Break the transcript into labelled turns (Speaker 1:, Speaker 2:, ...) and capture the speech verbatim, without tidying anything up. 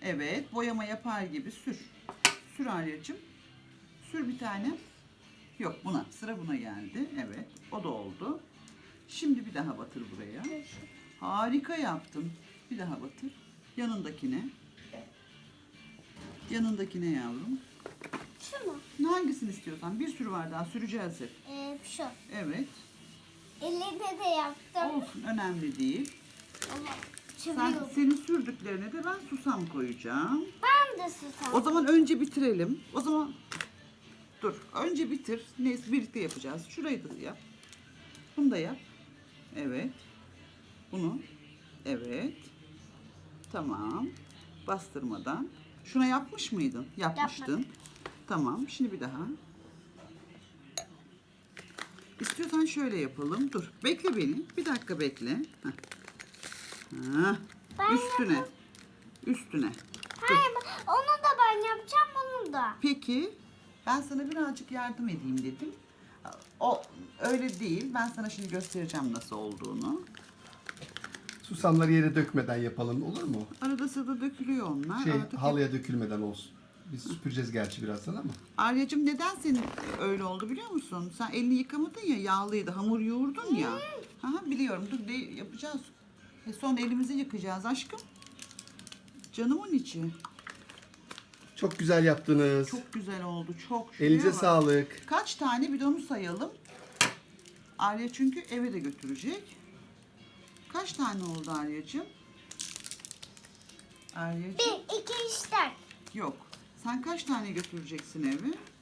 Speaker 1: Evet, boyama yapar gibi sür. Sür Arya'cığım. Sür bir tane. Yok, buna. Sıra buna geldi. Evet, o da oldu. Şimdi bir daha batır buraya. Harika yaptın. Bir daha batır. Yanındakine. Yanındakine yavrum.
Speaker 2: Şu mu?
Speaker 1: Hangisini istiyorsan. Bir sürü var daha. Süreceğiz hep.
Speaker 2: Ee, şu.
Speaker 1: Evet.
Speaker 2: Elinde de yaptım.
Speaker 1: Olsun. Önemli değil.
Speaker 2: Ama
Speaker 1: Sen,
Speaker 2: çeviriyorum.
Speaker 1: senin sürdüklerine de ben susam koyacağım.
Speaker 2: Ben de susam.
Speaker 1: O zaman önce bitirelim. O zaman dur. Önce bitir. Neyse birlikte yapacağız. Şurayı da yap. Bunu da yap. Evet. Bunu. Evet. Tamam. Bastırmadan. Şuna yapmış mıydın? Yapmıştın.
Speaker 2: Yapmadım.
Speaker 1: Tamam. Şimdi bir daha. İstiyorsan şöyle yapalım. Dur. Bekle beni. Bir dakika bekle. Heh. Heh.
Speaker 2: Ben
Speaker 1: Üstüne. Üstüne.
Speaker 2: Hayır, onu da ben yapacağım, onu da.
Speaker 1: Peki. Ben sana birazcık yardım edeyim dedim. O öyle değil. Ben sana şimdi göstereceğim nasıl olduğunu.
Speaker 3: Susamları yere dökmeden yapalım, olur mu?
Speaker 1: Arada sırada dökülüyor onlar.
Speaker 3: Şey,
Speaker 1: Artık
Speaker 3: halıya dökülmeden olsun. Biz süpüreceğiz gerçi birazdan ama.
Speaker 1: Arya'cığım neden senin öyle oldu biliyor musun? Sen elini yıkamadın ya, yağlıydı. Hamur yoğurdun ya. Ha, biliyorum. Dur de yapacağız. E sonra elimizi yıkayacağız aşkım. Canımın içi.
Speaker 3: Çok güzel yaptınız.
Speaker 1: Çok güzel oldu. Çok. Şuraya
Speaker 3: Elinize
Speaker 1: bak.
Speaker 3: sağlık.
Speaker 1: Kaç tane bidonu sayalım. Arya çünkü eve de götürecek. Kaç tane oldu Arya'cığım? Arya'cığım.
Speaker 2: Bir, iki, üç, dört.
Speaker 1: Yok. Sen kaç tane götüreceksin eve?